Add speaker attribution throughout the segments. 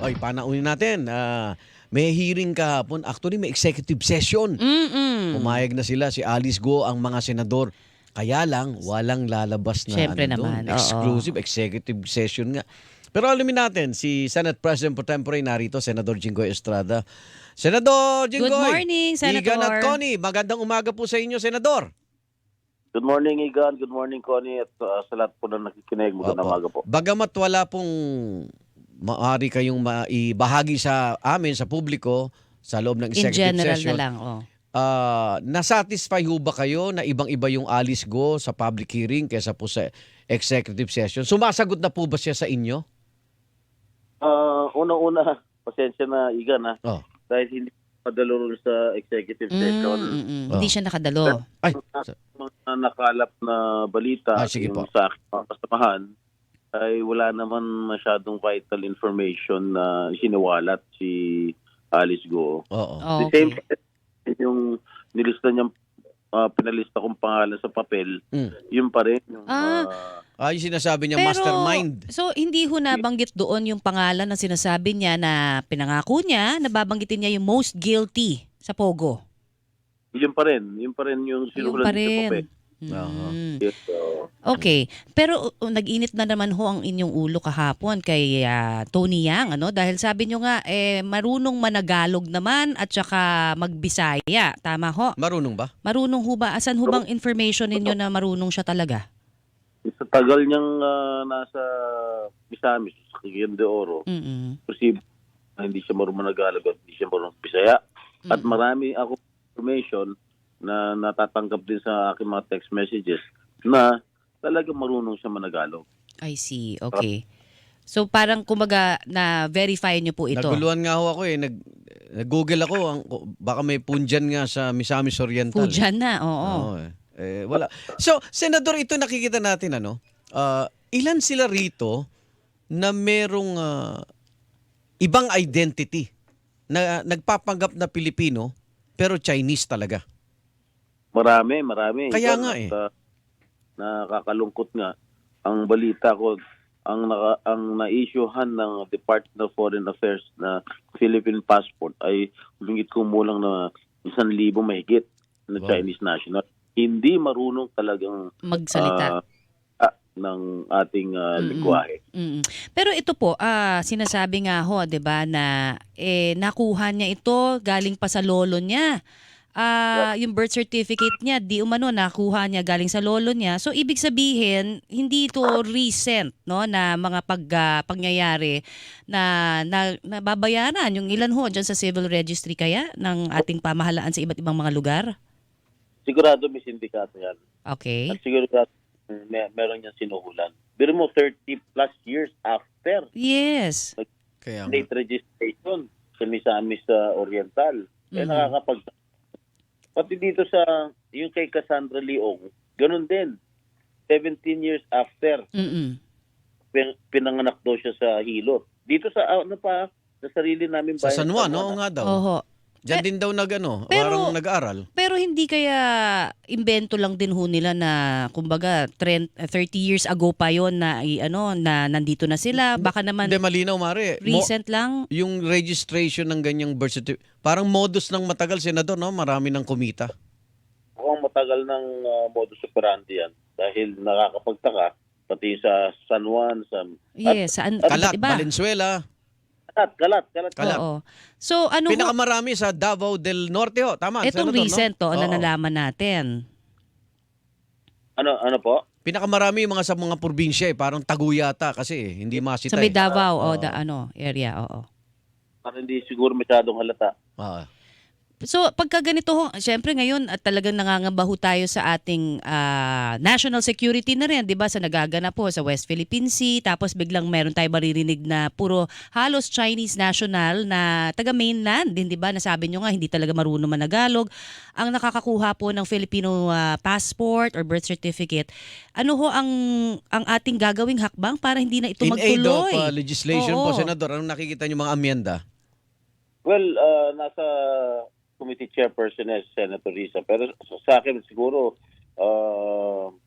Speaker 1: Oy, panaunin natin. May hearing kahapon. Actually, may executive session. Pumayag na sila, si Alice Go, ang mga senador. Kaya lang, walang lalabas na
Speaker 2: Siyempre
Speaker 1: doon.
Speaker 2: naman, oo.
Speaker 1: Exclusive executive session nga. Pero alamin natin, si Senate President Pro Tempore narito, Senador Jinggoy Estrada. Senador Jinggoy!
Speaker 2: Good morning, Senator.
Speaker 1: Igan at Connie, magandang umaga po sa inyo, Senador.
Speaker 3: Good morning, Igan. Good morning, Connie. At sa lahat po na nakikinig, magandang
Speaker 1: Opo.
Speaker 3: umaga po.
Speaker 1: Bagamat wala pong maaari kayong maibahagi sa amin, sa publiko, sa loob ng
Speaker 2: In
Speaker 1: executive
Speaker 2: general
Speaker 1: session,
Speaker 2: na lang, oh.
Speaker 1: nasatisfy ho ba kayo na ibang-iba yung Alice Go sa public hearing kaysa po sa executive session? Sumasagot na po ba siya sa inyo?
Speaker 3: Una-una, pasensya na, Igan, ha?
Speaker 1: Oh.
Speaker 3: Dahil hindi padalo rin sa executive session.
Speaker 2: Hindi siya nakadalo.
Speaker 1: Ay,
Speaker 3: Mga nakalap na balita
Speaker 1: sige po.
Speaker 3: yung sa aking mga kasamahan ay wala naman masyadong vital information na siniwalat si Alice Go.
Speaker 1: oo.
Speaker 3: The same yung nilista niyang pinalista kong pangalan sa papel, yun pa rin. Yung,
Speaker 1: Yung sinasabi niya,
Speaker 2: Pero,
Speaker 1: mastermind.
Speaker 2: so hindi ho nabanggit doon yung pangalan na sinasabi niya na pinangako niya, nababanggitin niya yung most guilty sa Pogo.
Speaker 3: yun pa rin. Yun pa rin yung
Speaker 2: Yung
Speaker 3: sinulat
Speaker 2: pa
Speaker 3: niya sa papel.
Speaker 2: rin. Mm.
Speaker 3: Yes,
Speaker 2: Okay. Pero nag-init na naman ho ang inyong ulo kahapon kay Tony Yang, ano? Dahil sabi nyo nga, marunong managalog naman at saka magbisaya. Tama ho?
Speaker 1: Marunong ba?
Speaker 2: Marunong ho ba? Asan ho bang information ninyo na marunong siya talaga?
Speaker 3: Sa tagal niyang nasa Misamis, Cagayan de Oro, posible na hindi siya marunong Managalog at hindi siya marunong Bisaya. At marami ako information na natatanggap din sa aking mga text messages na talagang marunong siya Managalog.
Speaker 2: I see. Okay. So parang kumbaga na-verify nyo po ito.
Speaker 1: Naguluhan nga ho ako eh. Nag-google ako. Baka may punjan nga sa Misamis Oriental.
Speaker 2: Pujan na, oo.
Speaker 1: Oo, wala. So, Senador, ito nakikita natin, ilan sila rito na merong ibang identity na nagpapanggap na Pilipino pero Chinese talaga?
Speaker 3: Marami.
Speaker 1: Kaya nga eh.
Speaker 3: Nakakalungkot nga. Ang balita ko, ang na-issuehan ng Department of Foreign Affairs na Philippine passport ay humigit kumulang na 1,000 mahigit na Chinese national. Hindi marunong talagang
Speaker 2: magsalita
Speaker 3: ng ating lingwahe.
Speaker 2: Pero ito po, sinasabi nga ho, 'di ba, na nakuha niya ito galing pa sa lolo niya. Yung birth certificate niya, di umano nakuha niya galing sa lolo niya. So ibig sabihin, hindi ito recent, no, na mga pangyayari na nababayaran yung ilan ho diyan sa civil registry kaya ng ating pamahalaan sa iba't ibang mga lugar.
Speaker 3: Sigurado may sindikato yan.
Speaker 2: Okay.
Speaker 3: At sigurado meron niyang sinuhulan. Pero mo 30 plus years after
Speaker 2: Yes.
Speaker 1: Kaya
Speaker 3: date registration sa Misamis Oriental. Nakakapag pati dito sa yung kay Cassandra Leong, ganun din. 17 years after pinanganak daw siya sa Hilo. Dito sa sa sarili namin
Speaker 1: sa
Speaker 3: bayan.
Speaker 1: San Juan, oo nga daw.
Speaker 2: Oho.
Speaker 1: Diyan din daw parang nag-aaral.
Speaker 2: Pero hindi kaya imbento lang din ho nila na kumbaga 30 years ago pa yon na na nandito na sila, baka naman
Speaker 1: Hindi, malinaw, Mare.
Speaker 2: recent lang.
Speaker 1: Yung registration ng ganyang birth certificate, parang modus ng matagal, Senador, no? Marami ng kumita.
Speaker 3: Mukhang matagal ng modus operandi yan dahil nakakapagtaka pati sa San Juan,
Speaker 2: Yes, saan
Speaker 1: Kalat,
Speaker 2: iba.
Speaker 1: Valenzuela.
Speaker 3: Kalat.
Speaker 2: Oo. So ano ho,
Speaker 1: Pinakamarami sa Davao del Norte, ho. Tama,
Speaker 2: itong
Speaker 1: Senador,
Speaker 2: recent
Speaker 1: no?
Speaker 2: na
Speaker 1: Oo.
Speaker 2: nalaman natin.
Speaker 3: Ano po?
Speaker 1: Pinakamarami yung sa mga probinsya, parang Taguyata kasi hindi masita.
Speaker 2: Sa may Davao area, oo.
Speaker 3: Para hindi siguro masyadong halata.
Speaker 2: So pagka ganito ho, syempre ngayon at talagang nangangamba ho tayo sa ating national security na rin, 'di ba? Sa nagaganap po sa West Philippine Sea, tapos biglang meron tayo maririnig na puro halos Chinese national na taga mainland, din 'di ba? Nasabi nyo nga hindi talaga marunong managalog ang nakakakuha po ng Filipino passport or birth certificate. Ano ho ang ating gagawing hakbang para hindi na ito
Speaker 1: In aid
Speaker 2: magtuloy?
Speaker 1: of legislation po,
Speaker 2: Oo.
Speaker 1: Senador, anong nakikita niyo mga amyenda?
Speaker 3: Well, nasa committee chairperson na si Senator Risa. Pero sa akin siguro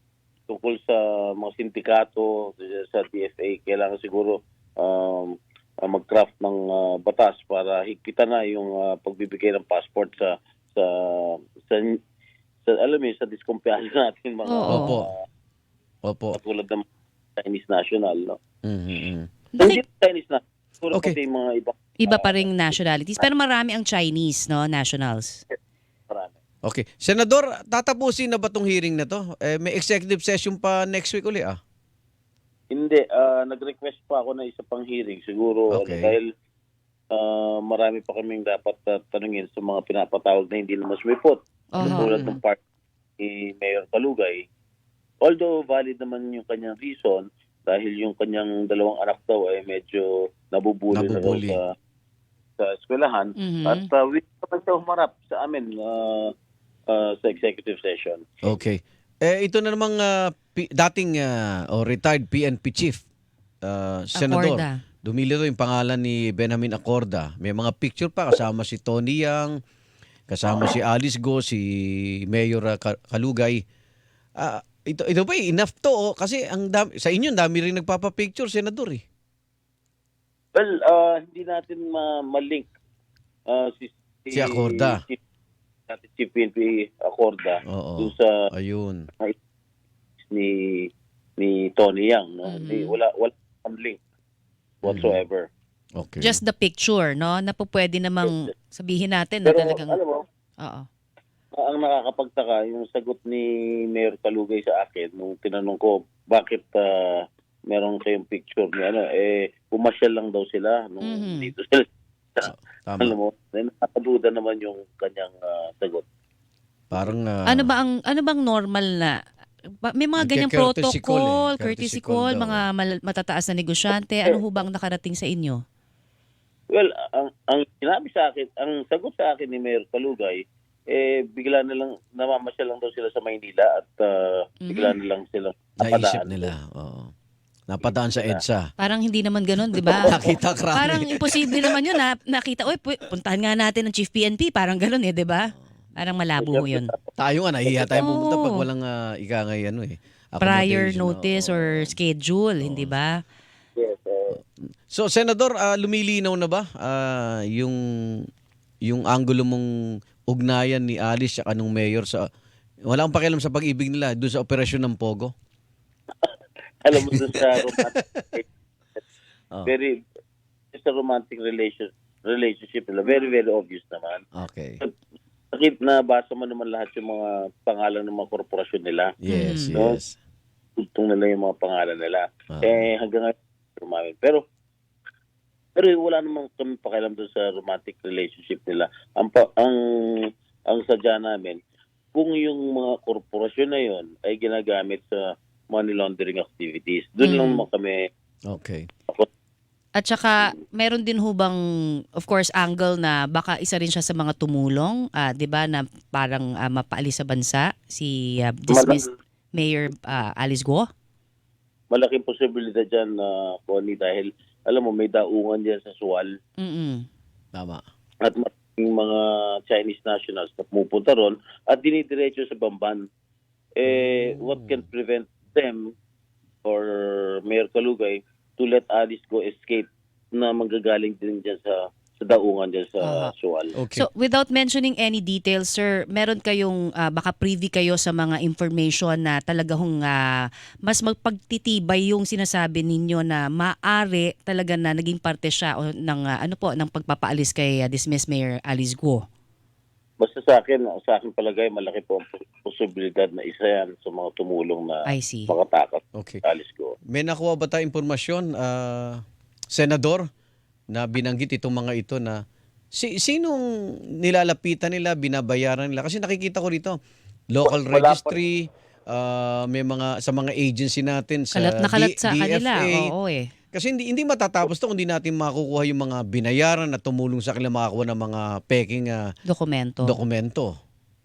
Speaker 3: tungkol sa mga sindikato sa DFA, kailangan siguro mag-craft ng batas para higpitan na yung pagbibigay ng passport sa sa, alam mo yun, sa diskumpiyansa natin mga
Speaker 2: Oo.
Speaker 1: Opo.
Speaker 3: katulad ng Chinese national, no?
Speaker 1: Mhm.
Speaker 3: Hindi Chinese na. Puro
Speaker 1: Okay.
Speaker 3: pati mga iba.
Speaker 2: Iba pa ring nationalities. Pero marami ang Chinese, no, nationals.
Speaker 3: Marami.
Speaker 1: Okay. Senador, tatapusin na ba tong hearing na to? May executive session pa next week uli
Speaker 3: Hindi, nag-request pa ako na isa pang hearing siguro
Speaker 1: Okay.
Speaker 3: dahil marami pa kaming dapat tanungin sa mga pinapatawag na hindi naman sumipot. Tulad ng part ni Mayor Kalugay. Although valid naman yung kanyang reason dahil yung kanyang dalawang anak daw ay medyo nabubuli na daw
Speaker 1: Nabubuli.
Speaker 3: sa eskwelahan.
Speaker 2: Mhm.
Speaker 3: At willing naman siya humarap sa amin sa executive session.
Speaker 1: Okay. Ito na namang dating o retired PNP chief, Senador.
Speaker 2: Acorda.
Speaker 1: Dumilito yung pangalan ni Benjamin Acorda. May mga picture pa kasama si Tony Yang, kasama si Alice Go, si Mayor Kalugay. Ito ba enough to? Kasi ang dami, sa inyo, ang dami rin nagpapapicture, Senador eh.
Speaker 3: Well, hindi natin ma-link
Speaker 1: Si Acorda.
Speaker 3: Chief PNP Acorda
Speaker 1: Oo.
Speaker 3: dun sa
Speaker 1: Ayun.
Speaker 3: ni Tony Yang, no? Wala ang link whatsoever.
Speaker 1: Okay.
Speaker 2: Just the picture, no, na po pwede namang sabihin natin na
Speaker 3: Pero
Speaker 2: talagang...
Speaker 3: alam mo,
Speaker 2: Oo.
Speaker 3: ang nakakapagtaka yung sagot ni Mayor Kalugay sa akin nung tinanong ko bakit meron kayong picture ni pumasyal lang daw sila nung dito sila.
Speaker 1: Tama.
Speaker 3: Alam mo, nakakaduda naman yung kanyang sagot.
Speaker 1: Parang
Speaker 2: Ano bang normal na may mga ganyang
Speaker 1: Courtesy
Speaker 2: protocol,
Speaker 1: call
Speaker 2: courtesy
Speaker 1: Courtesy call
Speaker 2: call,
Speaker 1: daw.
Speaker 2: mga matataas na negosyante, ano ho bang nakarating sa inyo?
Speaker 3: Well, ang sinabi sa akin, ang sagot sa akin ni Mayor Kalugay, bigla na lang, namamasyal lang daw sila sa Maynila at bigla na lang sila
Speaker 1: naisip nila. Oo. Napadaan sa EDSA.
Speaker 2: Parang hindi naman ganoon, 'di ba?
Speaker 1: Nakita krami.
Speaker 2: Parang imposible naman 'yun na nakita, puntahan nga natin ng Chief PNP, parang ganoon 'di ba? Parang malabo ho 'yun.
Speaker 1: Tayo nga, nahihiya tayo pumunta
Speaker 2: Oo.
Speaker 1: pag walang ikangay
Speaker 2: Prior
Speaker 1: accommodation,
Speaker 2: notice
Speaker 1: oo.
Speaker 2: or schedule, hindi ba?
Speaker 3: Yes,
Speaker 1: So, Senador, lumilinaw na ba yung angulo mong ugnayan ni Alice at nung mayor sa wala akong pakialam sa pag-ibig nila doon sa operasyon ng Pogo?
Speaker 3: alam mo doon sa romantic,
Speaker 1: Oh.
Speaker 3: very, sa romantic relationship nila, very, very obvious naman.
Speaker 1: Okay.
Speaker 3: Sakit na basa mo naman lahat yung mga pangalan ng mga korporasyon nila.
Speaker 1: Yes,
Speaker 3: No?
Speaker 1: yes.
Speaker 3: Tugtong nila yung mga pangalan nila.
Speaker 1: Ah.
Speaker 3: Hanggang ngayon, umamin. Pero wala namang kami pakialam doon sa romantic relationship nila. Ang sadya namin, kung yung mga korporasyon na yon ay ginagamit sa money laundering activities, doon lang naman kami.
Speaker 1: Okay.
Speaker 2: At saka meron din ho bang, of course, angle na baka isa rin siya sa mga tumulong, 'di ba, na parang mapaalis sa bansa si dismissed Mayor Alice Go?
Speaker 3: Malaking posibilidad dyan na Connie, dahil alam mo may daungan diyan sa Sual
Speaker 1: Tama.
Speaker 3: at maraming mga Chinese nationals na pumupunta ron at dinidiretso sa Bamban. What can prevent them or Mayor Kalugay to let Alice Go escape na manggagaling din dyan sa daungan dyan sa Sual.
Speaker 1: Okay.
Speaker 2: So, without mentioning any details, sir, meron kayong, baka privy kayo sa mga information na talaga hong mas magpagtitibay yung sinasabi ninyo na maaari talaga na naging parte siya o ng pagpapaalis kay dismissed Mayor Alice Go?
Speaker 3: Basta sa akin palagay, malaki po ang posibilidad na isa yan sa mga tumulong na
Speaker 2: I see.
Speaker 3: makatakas
Speaker 1: Okay.
Speaker 3: sa Alice Go.
Speaker 1: May nakuha ba tayong impormasyon, Senador, na binanggit itong mga ito na sinong nilalapitan nila, binabayaran nila? Kasi nakikita ko rito, local
Speaker 3: Wala pa.
Speaker 1: registry, may mga sa mga agency natin sa
Speaker 2: Kalat na kalat sa kanila.
Speaker 1: DFA.
Speaker 2: Oo eh.
Speaker 1: Kasi hindi matatapos to kung hindi natin makukuha yung mga binayaran na tumulong sa kanila makakuha ng mga peking
Speaker 2: Dokumento.
Speaker 1: dokumento.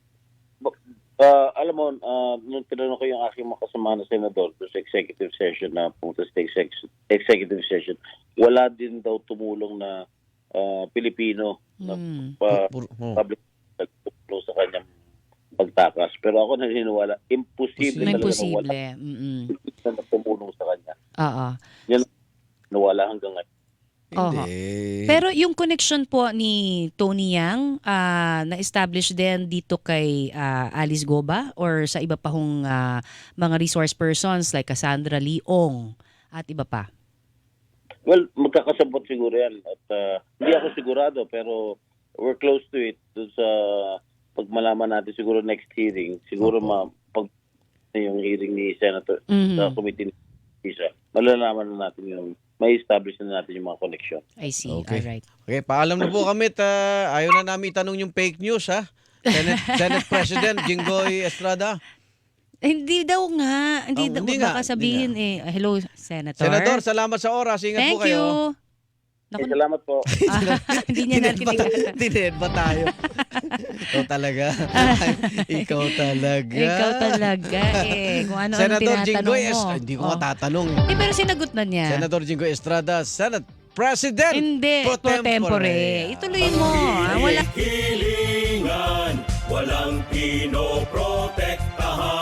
Speaker 3: Alam mo, nung tinanong ko yung aking mga kasama na senador sa executive session na pumunta sa executive session, wala din daw tumulong na Pilipino na public tumulong sa kanyang pagtakas. Pero ako naniniwala, imposible talaga na wala
Speaker 2: Imposible.
Speaker 3: na tumulong sa kanya.
Speaker 2: Oo.
Speaker 3: Yan, nawala hanggang ngayon.
Speaker 2: Oho.
Speaker 1: Hindi.
Speaker 2: Pero yung connection po ni Tony Yang, na-establish din dito kay Alice Goba or sa iba pa hong mga resource persons like Cassandra Leong at iba pa?
Speaker 3: Well, magkakasabot siguro yan. At hindi ako sigurado, pero we're close to it. Doon sa pag malaman natin siguro next hearing, siguro pag yung hearing ni Senator sa committee ni Isa, malalaman na natin yung may establish na natin yung mga connection.
Speaker 2: I see.
Speaker 1: Okay.
Speaker 2: Alright.
Speaker 1: Okay, paalam na po kami. Ayaw na namin itanong yung fake news, ha? Senate President Jinggoy Estrada.
Speaker 2: Hindi daw nga. Hindi daw.
Speaker 1: Hindi nga,
Speaker 2: Baka sabihin hello, Senator.
Speaker 1: Senador, salamat sa oras. Ingat
Speaker 2: Thank
Speaker 1: po kayo.
Speaker 2: you.
Speaker 3: Okay, salamat po.
Speaker 2: Hindi niya narinig.
Speaker 1: Tined ba tayo? Ikaw talaga. Ikaw talaga.
Speaker 2: Ikaw talaga Kung ano ang
Speaker 1: Senador
Speaker 2: tinatanong
Speaker 1: Jinggoy
Speaker 2: mo.
Speaker 1: Estrada. Hindi ko matatanong.
Speaker 2: Pero sinagot na niya.
Speaker 1: Senador Jinggoy Estrada, Senate President.
Speaker 2: Hindi. Pro tempore. Ituloy mo. Wala.
Speaker 4: Hilingan, walang pinoprotektahan.